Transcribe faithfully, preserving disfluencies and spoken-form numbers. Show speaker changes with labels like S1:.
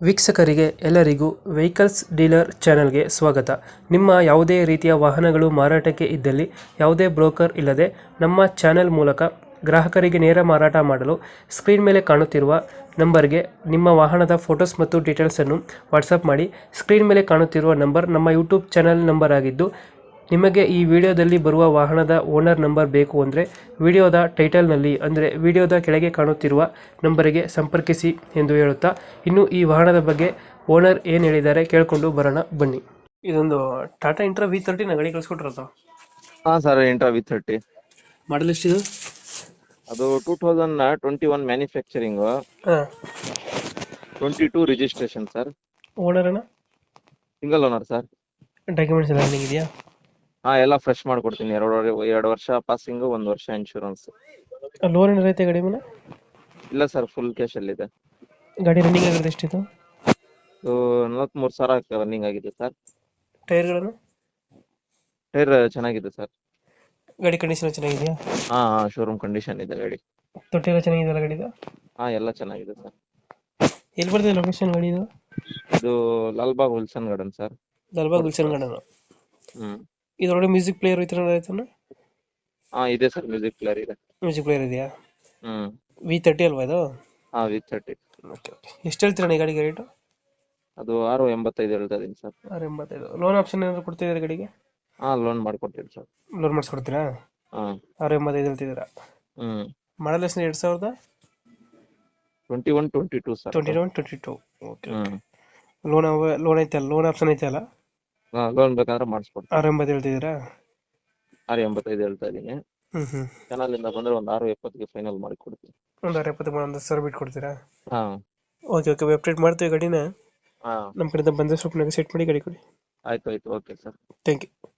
S1: ವೀಕ್ಷಕರಿಗೆ ಎಲ್ಲರಿಗೂ vehicles dealer ಚಾನೆಲ್ಗೆ ಸ್ವಾಗತ. ನಿಮ್ಮ ಯಾವುದೇ ರೀತಿಯ ವಾಹನಗಳು ಮಾರಾಟಕ್ಕೆ ಇದ್ದಲ್ಲಿ ಯಾವುದೇ ಬ್ರೋಕರ್ ಇಲ್ಲದೆ ನಮ್ಮ ಚಾನೆಲ್ ಮೂಲಕ ಗ್ರಾಹಕರಿಗೆ ನೇರ ಮಾರಾಟ ಮಾಡಲು ಸ್ಕ್ರೀನ್ ಮೇಲೆ ಕಾಣುತ್ತಿರುವ ನಂಬರ್ಗೆ ನಿಮ್ಮ ವಾಹನದ ಫೋಟೋಸ್ ಮತ್ತು ಡೀಟೇಲ್ಸನ್ನು ವಾಟ್ಸಪ್ ಮಾಡಿ. ಸ್ಕ್ರೀನ್ ಮೇಲೆ ಕಾಣುತ್ತಿರುವ ನಂಬರ್ ನಮ್ಮ ಯೂಟ್ಯೂಬ್ ಚಾನೆಲ್ ನಂಬರ್ ಆಗಿದ್ದು, ನಿಮಗೆ ಈ ವಿಡಿಯೋದಲ್ಲಿ ಬರುವ ವಾಹನದ ಓನರ್ ನಂಬರ್ ಬೇಕು ಅಂದರೆ ವಿಡಿಯೋದ ಟೈಟಲ್ನಲ್ಲಿ ಅಂದರೆ ವಿಡಿಯೋದ ಕೆಳಗೆ ಕಾಣುತ್ತಿರುವ ನಂಬರಿಗೆ ಸಂಪರ್ಕಿಸಿ ಎಂದು ಹೇಳುತ್ತಾ, ಇನ್ನು ಈ ವಾಹನದ ಬಗ್ಗೆ ಓನರ್ ಏನು ಹೇಳಿದ್ದಾರೆ ಕೇಳಿಕೊಂಡು ಬರೋಣ ಬನ್ನಿ. ಇದೊಂದು ಟಾಟಾ ಇಂಟ್ರಾ ವಿ ತರ್ಟಿ ಗಾಡಿ ಕಳಿಸ್ಕೊಟ್ರಲ್ಲ,
S2: ಹಾ sir, Intra V thirty
S1: model ಎಷ್ಟಿದು?
S2: ಅದು two thousand twenty one manufacturing,
S1: ಹಾಂ.
S2: Twenty two registration sir.
S1: Owner ಅಣ್ಣ?
S2: Single owner sir.
S1: ಡಾಕ್ಯುಮೆಂಟ್ಸ್ ಎಲ್ಲ ರನ್ನಿಂಗ್ ಇದೆಯಾ?
S2: ಹಾ, ಎಲ್ಲ ಫ್ರೆಶ್ ಮಾಡ್ಕೊಡ್ತೀನಿ. ಎರಡು ಎರಡು ವರ್ಷ ಪಾಸಿಂಗ್, ಒಂದು ವರ್ಷ ಇನ್ಶೂರೆನ್ಸ್.
S1: ಲೋನ್ ಏನಾರ ಐತೆ ಗಾಡಿ ಮೇಲೆ?
S2: ಇಲ್ಲ ಸರ್, ಫುಲ್ ಕ್ಯಾಶ್ ಅಲ್ಲಿ ಇದೆ.
S1: ಗಾಡಿ ರನ್ನಿಂಗ್ ಆಗಿರೋದು ಎಷ್ಟಿತ್ತು?
S2: ನಲವತ್ಮೂರು ಸಾವಿರ ರನ್ನಿಂಗ್ ಆಗಿದೆ ಸರ್.
S1: ಟೈರ್ಗಳನ್ನು?
S2: ಟೈರ್ ಚೆನ್ನಾಗಿದೆ ಸರ್.
S1: ಗಾಡಿ ಕಂಡೀಷನ್ ಚೆನ್ನಾಗಿದೆಯಾ?
S2: ಹಾ ಹಾ ಶೋರೂಮ್ ಕಂಡೀಷನ್ ಇದೆ ಗಾಡಿ.
S1: ತೊಟ್ಟಿ ಎಲ್ಲ ಚೆನ್ನಾಗಿದೆಯಲ್ಲ ಗಾಡಿದು?
S2: ಹಾ, ಎಲ್ಲ ಚೆನ್ನಾಗಿದೆ ಸರ್.
S1: ಎಲ್ಲಿ ಬರ್ತದೆ ಲೊಕೇಶನ್ ಗಾಡಿದು?
S2: ಇದು ಲಾಲ್ಬಾಗ್ ಹುಲ್ಸನ್ garden sir.
S1: Lalbagh Gulshan garden.
S2: ಹ್ಮ್.
S1: ಇದರೊಳಗೆ ಮ್ಯೂಸಿಕ್ ಪ್ಲೇಯರ್ ಈ ಥರ ಆಯ್ತಾನ?
S2: ಹಾ, ಇದೆ ಸರ್, ಮ್ಯೂಸಿಕ್ ಪ್ಲೇಯರ್ ಇದೆ.
S1: ಮ್ಯೂಸಿಕ್ ಪ್ಲೇಯರ್ ಇದೆಯಾ?
S2: ಹ್ಮ್.
S1: ವಿ ತರ್ಟಿ ಅಲ್ವಾ ಇದು?
S2: ಹಾ, ವಿ ಥರ್ಟಿ.
S1: Okay okay. ಎಷ್ಟು ಹೇಳ್ತೀರಣ್ಣ ಈ ಗಾಡಿಗೆ ರೇಟು?
S2: ಅದು ಆರು ಎಂಬತ್ತೈದು ಹೇಳ್ತಾ ಇದೀನಿ ಸರ್.
S1: ಆರು ಎಂಬತ್ತೈದು. ಲೋನ್ ಆಪ್ಷನ್ ಏನಾದ್ರು ಕೊಡ್ತಿದ್ದೀರಾ ಗಾಡಿಗೆ?
S2: ಹಾ, ಲೋನ್ ಮಾಡ್ಕೊಡ್ತೀನಿ ಸರ್.
S1: ಲೋನ್ ಮಾಡಿಸ್ಕೊಡ್ತೀರಾ?
S2: ಹಾ.
S1: ಆರು ಎಂಬತ್ತೈದು ಹೇಳ್ತಿದ್ದೀರಾ?
S2: ಹ್ಮ್.
S1: ಮಾಡಲ್ ಎಷ್ಟು? ಎರಡು ಸಾವಿರದ
S2: twenty one twenty two sir.
S1: Twenty one twenty two. Okay.
S2: ಹ್ಮ್.
S1: ಲೋನ್ ಲೋನ್ ಐತೆ ಅಲ್ಲ, ಲೋನ್ ಆಪ್ಷನ್ ಐತೆ ಅಲ್ಲ?
S2: ಲೋನ್ ಬೇಕಂದ್ರೆ ಮಾಡಿಸ್ಕೊಡ್ತೀನಿ.
S1: ಆರು ಎಂಬತ್ತು ಹೇಳ್ತಿದ್ದೀರಾ?
S2: ಆರು ಎಂಬತ್ತೈದು ಹೇಳ್ತಾ ಇದೀನಿ.
S1: ಹ್ಮ್ ಹ್ಮ್.
S2: ಚಾನಲ್ ಇಂದ ಬಂದ್ರೆ ಒಂದು ಆರು ಎಪ್ಪತ್ತಿಗೆ ಫೈನಲ್ ಮಾಡಿ ಕೊಡ್ತೀನಿ.
S1: ಒಂದು ಆರು ಎಪ್ಪತ್ತು ಒಂದು ಸಾವಿರ ಬಿಟ್ಟು ಕೊಡ್ತೀರಾ?
S2: ಹಾ.
S1: Okay okay. ಅಪ್ಡೇಟ್ ಮಾಡ್ತೀವಿ ಗಾಡಿನ.
S2: ಹಾ,
S1: ನಮ್ಮ ಕಡೆಯಿಂದ ಬಂದರೆ ಸ್ವಲ್ಪ ನೆಗೋಸಿಯೇಟ್ ಮಾಡಿ ಗಾಡಿ ಕೊಡಿ.
S2: ಆಯ್ತು ಆಯ್ತು. Okay sir.
S1: Thank you.